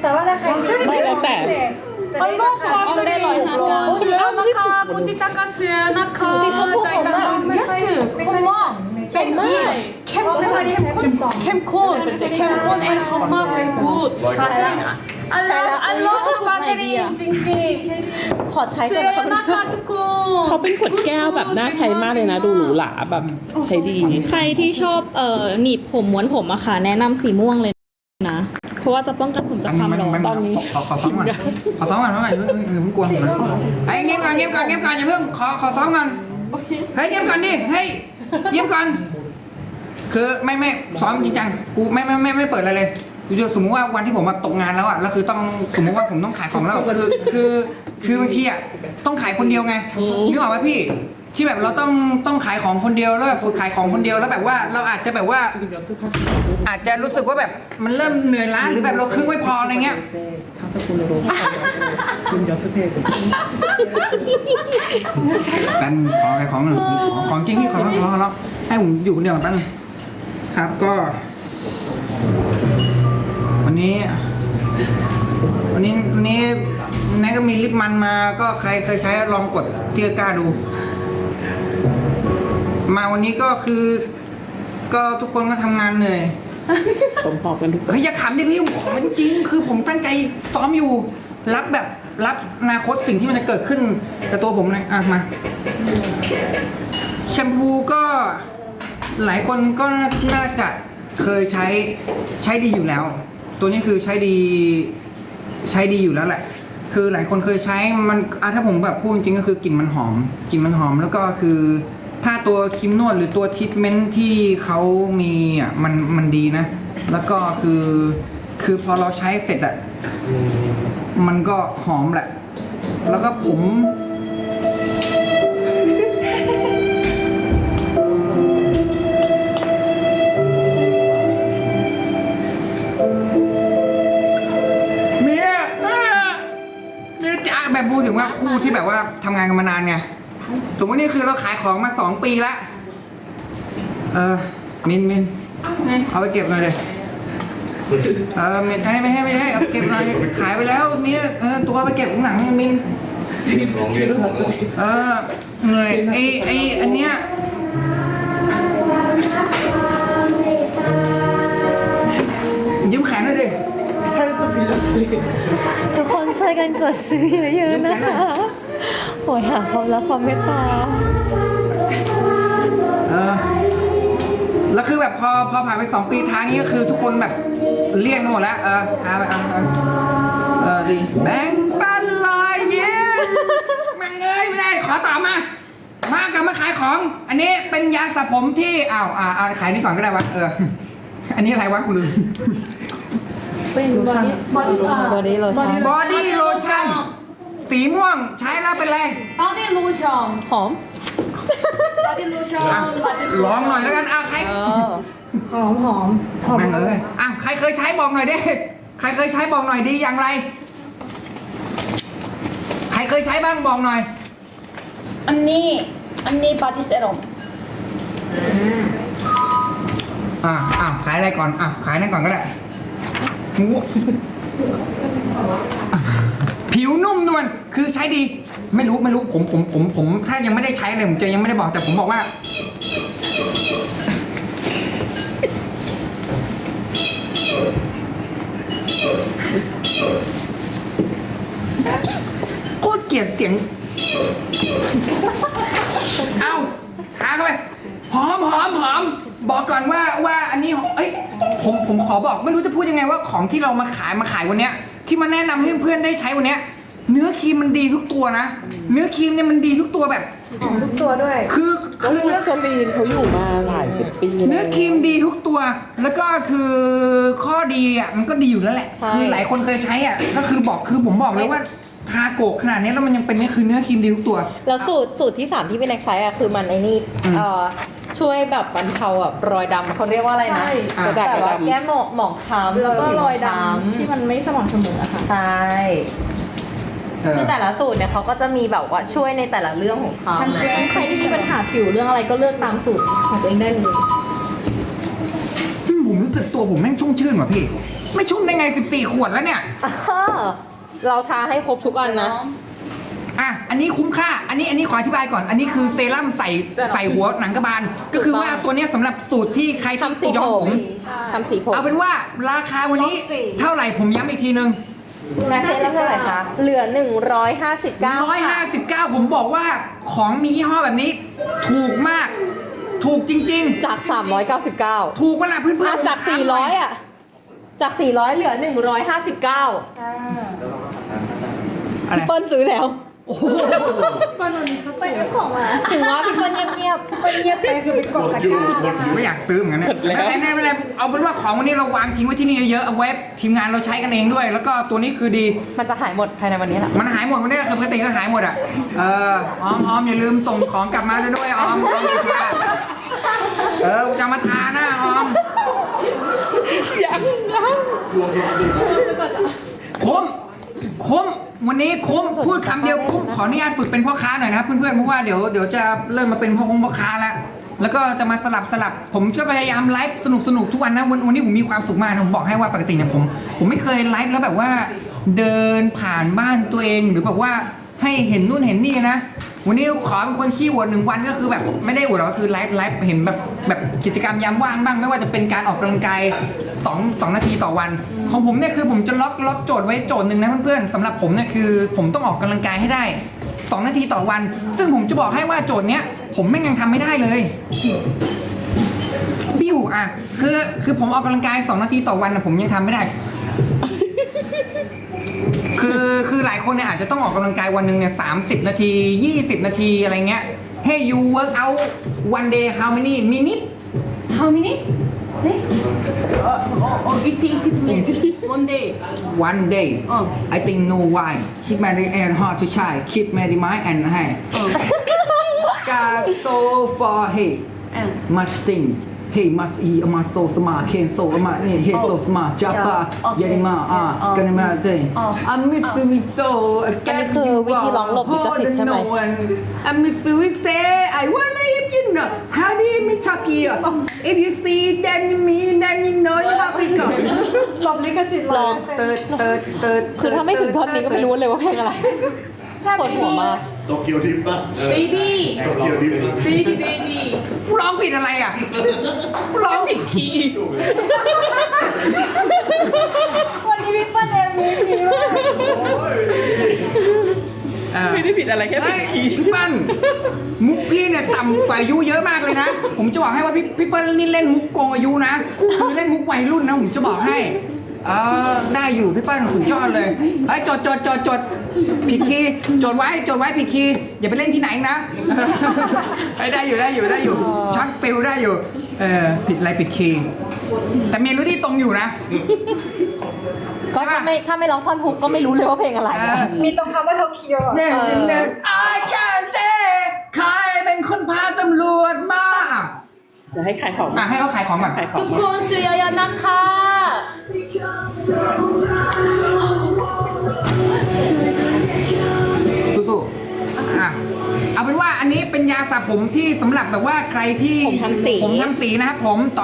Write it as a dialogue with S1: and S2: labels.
S1: แต่ว่าถ้าใคร
S2: ไม่แล้วแต่
S1: จะได้ราคาที่ได้ร้อยห้าร้อย
S3: 시아나카 보티타카 시아나카 짜이나카 예스 콤마 베리 캠콘 앤 콤마 베리 굿 바세린 I love 바세린 찡찡
S1: ขอใช้ก่อนนะคะ
S3: 시아나카 투콘
S2: เขาเป็นขวดแก้วแบบน่าใช้มากเลยนะ ดูหรูหราแบบใช้ดี
S4: ใครที่ชอบหนีบผมม้วนผมอะค่ะแนะนำสีม่วงเลยนะ เพราะว่าจะป้องกันผมจากความร้อนตอนนี้
S5: ขอซ้อมก่อนขอซ้อมก่อนอย่าเพิ่งกลัวผมนะไอ้เงียบก่อนอย่าเพิ่งขอซ้อมก่อนเฮ้ยเงียบก่อนดิเฮ้ยเงียบก่อนคือไม่ซ้อมจริงจังกูไม่เปิดอะไรเลยคือสมมุติว่าวันที่ผมมาตกงานแล้วอ่ะแล้วคือต้องสมมุติว่าผมต้องขายของแล้วคือบางทีอ่ะต้องขายคนเดียวไงนึกออกไหมพี่ที่แบบเราต้องขายของคนเดียวแล้วแบบฝึกขายของคนเดียวแล้วแบบว่าเราอาจจะแบบว่า อาจจะรู้สึกว่าแบบมันเริ่มเหนื่อยล้าหรือแบบเราครึ่งไม่พออะไรเงี้ยกันขออะไรของหนึ่งของจริงพี่ขอแล้วให้ผมอยู่คนเดียวแป๊บนึงครับก็ วันนี้นายก็มีลิปมันมาก็ใครเคยใช้ลองกดที่ตะกร้าดู มาวันนี้ก็คือ ก็ทุกคนก็ทำงานเหนื่อย
S2: ผมหอบกันทุกคน
S5: เฮ้ยอย่าขำดิพี่ผมมันจริงคือผมตั้งใจซ้อมอยู่รับอนาคตสิ่งที่มันจะเกิดขึ้นกับตัวผมเลยอ่ะมาแชมพูก็หลายคนก็น่าจะเคยใช้ดีอยู่แล้ว ตัวนี้คือใช้ดีอยู่แล้วแหละ คือหลายคนเคยใช้มันถ้าผมแบบพูดจริงๆก็คือกลิ่นมันหอมแล้วก็คือถ้าตัวครีมนวดหรือตัวทรีทเมนต์ที่เขามีอ่ะมันดีนะ แล้วก็คือพอเราใช้เสร็จอ่ะมันก็หอมแหละ แล้วก็ผมเมียจะแบบพูดถึงว่าคู่ที่แบบว่าทำงานกันมานานไงสมมตินี่คือเราขายของมา2 ปีแล้วมินเอาไปเก็บหน่อยเลยไม่ให้เอาเก็บหน่อยขายไปแล้วเนี่ยตัวไปเก็บข้างหลังมินเหนื่อยไออันเนี้ยยิ้มแขนหน่อยดิ
S1: ทุกคนช่วยกันกดซื้อเยอะๆนะคะโหยหาความรักความเมตตา
S5: แล้วคือแบบพอผ่านไป2 ปีทางนี้ก็คือทุกคนแบบเลี่ยงหมดแล้วดีแบ่งปันลอยเย้แม่งเอ้ยไม่ได้ขอต่อมากลับมาขายของ อันนี้เป็นยาสระผมที่เอาขายนี่ก่อนก็ได้วะอันนี้อะไรวะกูลืม
S1: บอดี้โลชั่น
S5: บอดี้โลชั่นสีม่วงใช้แล้วเป็นไร
S3: 바디 로션
S1: หอม
S3: 바디 로션 바디
S5: ลองหน่อยแล้วกันใคร
S1: หอม
S5: แม่งเอ้ยใครเคยใช้บอกหน่อยดิใครเคยใช้บอกหน่อยดีอย่างไร ใครเคยใช้บ้างบอกหน่อย
S3: 언니 바디 세럼
S5: ขายอะไรก่อนขายนั่นก่อนก็ได้ผิวนุ่มนวลคือใช้ดีไม่รู้ผมถ้ายังไม่ได้ใช้เลยผมจะยังไม่ได้บอกแต่ผมบอกว่าโคตรเกลียดเสียงหาเข้าไปหอมบอกก่อนว่าอันนี้ผมขอบอกไม่รู้จะพูดยังไงว่าของที่เรามาขายวันเนี้ยที่มาแนะนำให้เพื่อนได้ใช้วันเนี้ยเนื้อครีมมันดีทุกตัวนะเนื้อครีมเนี่ยมันดีทุกตัวแบบ
S1: หอมทุกตัวด้วย
S5: คือเนื้อ
S2: โซลีนเขาอยู่มาหลาย10 ปี
S5: เนื้อครีมดีทุกตัว แล้วก็คือข้อดีมันก็ดีอยู่แล้วแหละ
S1: ใช่
S5: คือหลายคนเคยใช้ก็คือผมบอกเลยว่าทาโกะขนาดนี้แล้วมันยังเป็นนี่คือเนื้อครีมดีทุกตัว
S1: แล้วสูตรที่ 3ที่พี่แน็กใช้คือมันช่วยแบบบรรเทาแบบรอยดำเขาเรียกว่าอะไรนะ
S2: กระดาษ
S1: แบบว่า
S2: ดำ
S1: แก้หมองคล้ำ
S3: แล้วก็รอยด
S1: ผิว
S3: ำที่มันไม่สม่ำเสมออะค่ะ
S1: ใช่คือแต่ละสูตรเนี่ยเขาก็จะมีแบบว่าช่วยในแต่ละเรื่องของเขา
S3: ใครที่มีปัญหาผิวเรื่องอะไรก็เลือกตามสูตรของตัวเองได้เลย
S5: ผมรู้สึกสึกตัวผมแม่งชุ่มชื่นว่ะพี่ ไม่ชุ่มได้ไง 14 ขวดแล้วเนี่ย
S1: เราทาให้ครบทุกอันนะ
S5: อ่ะ อันนี้คุ้มค่า อันนี้ขออธิบายก่อน อันนี้คือเซรั่มใส่หัวหนังกระบาล ก็คือว่าตัวเนี้ยสำหรับสูตรที่ใคร
S1: ทำสี
S5: ย้อม
S1: ผ
S5: ผม ม
S1: ทำสีผม
S5: เอาเป็นว่าราคาวันนี้เท่าไหร่ผมย้ำอีกทีนึง
S1: ราคาเท่าไหร่คะ เหลือ 159
S5: 159 ผมบอกว่าของมียี่ห้อแบบนี้ ถูกมาก ถูกจริง
S1: จาก 399
S5: ๆ ถูกเวลาเพื่อนๆ
S1: จาก 400 อ่ะ จาก 400 เหลือ 159
S5: อะไร
S1: พี่เปิ้ลซื้อแล้ว
S5: โอ้โห
S4: ไปเอาของมา
S1: ถึงว่าพี่เปิ้ลเงียบ
S5: ก็อยากซื้อเหมือนกันนะ
S2: หมดแล้ว
S5: ไม่เป็นไรเอาเป็นว่าของวันนี้เราวางทิ้งไว้ที่นี่เยอะๆเอาไว้ทีมงานเราใช้กันเองด้วย แล้วก็ตัวนี้คือดี
S1: ๆมันจะหายหมดภายในวันนี้แหละ
S5: มันหายหมดวันนี้คือปกติก็หายหมดอ่ะ ออมอย่าลืมส่งของกลับมาด้วยออมอย่าช้าจะมาทาหน้าออม
S2: ยัง
S5: คุ้มวันนี้คุ้มพูดคำเดียวคุ้มขออนุญาตฝึกเป็นพ่อค้าหน่อยนะครับเพื่อนๆเพราะว่าเดี๋ยวจะเริ่มมาเป็นพ่อค้าแล้วก็จะมาสลับผมก็พยายามไลฟ์สนุกทุกวันนะวันนี้ผมมีความสุขมากนะผมบอกให้ว่าปกติเนี่ยผมไม่เคยไลฟ์แล้วแบบว่าเดินผ่านบ้านตัวเองหรือแบบว่าให้เห็นนู่นเห็นนี่นะวันนี้ขอเป็นคนขี้อวด1 วันก็คือแบบไม่ได้อวดหรอกก็คือไลฟ์เห็นแบบกิจกรรมยามว่างบ้างไม่ว่าจะเป็นการออกกำลังกาย2 นาทีต่อวันของผมเนี่ยคือผมจะล็อกโจทย์ไว้โจทย์หนึ่งนะเพื่อนๆสำหรับผมเนี่ยคือผมต้องออกกำลังกายให้ได้2 นาทีต่อวัน ซึ่งผมจะบอกให้ว่าโจทย์เนี้ยผมไม่ยังทำไม่ได้เลยบิ้วอ่ะคือผมออกกำลังกาย2 นาทีต่อวันนะผมยังทำไม่ได้ คือหลายคนเนี่ยอาจจะต้องออกกำลังกายวันหนึ่งเนี่ย30 นาที 20 นาทีอะไรเงี้ย Hey you work out one day how many minutes
S3: How many? 네? Eating one day.
S5: one day I think no why keep my and hard to try keep my mind and hey got so for hey much thing hey must eat must so smart can so smart hey so smart japa yanima gonna ma day I miss you so
S1: อันนี้คือวิธีร้องหลบลิขสิทธิ์ใช่ไหม
S5: I miss you say I wanna eat you know how do you mean Chucky if you see then you mean then you know you have pick up
S1: หลบลิขสิทธิ์ลอง
S5: เติร์ด
S1: คือถ้าไม่ถึงท่อนนี้ก็ไม่รู้เลยว่าเพลงอะไรปวดหัวมาก
S6: โตเกียวทิปป่ะ
S3: Baby,
S6: โตเกียวทิป
S3: baby, baby.
S5: กูร้องผิดอะไรอ่ะกูร้องผิดคีย์
S1: วันนี้พี่เปิ้ลเอ็มวีพีมาก
S2: ไม่ได้ผิดอะไรแค่ผิดคีย์
S5: พี่ปั้นมุกพี่เนี่ยต่ำกว่าอายุเยอะมากเลยนะ ผมจะบอกให้ว่าพี่เปิ้ลนี่เล่นมุกโกงอายุนะคือเล่นมุกวัยรุ่นนะผมจะบอกให้ได้อยู่พี่เปิ้ลสุดยอดเลยไอ้ยจดผิดคีย์จดไว้ผิดคีย์อย่าไปเล่นที่ไหนนะ ได้อยู่ช็อตฟิลได้อยู่ผิดอะไรผิดคีย์แต่เมโลดี้ตรงอยู่นะ
S1: ก็ถ้าไม่ร้องท่อนฮุกก็ไม่รู้เลยว่าเพลงอะไร
S7: มีตรงคำว่าโทเกียว
S5: เนี่ยI can't say ใครเป็นคนพาตำรวจมา
S2: เดี๋ยวให้ขายของ
S5: ให้เขาขายของก่อน
S2: ขายของ
S3: 조금 쓰여야 낙하.
S5: ตู้เอาเป็นว่าอันนี้เป็นยาสระผมที่สำหรับแบบว่าใครที่
S1: ผมทำสี
S5: นะครับผมต่อ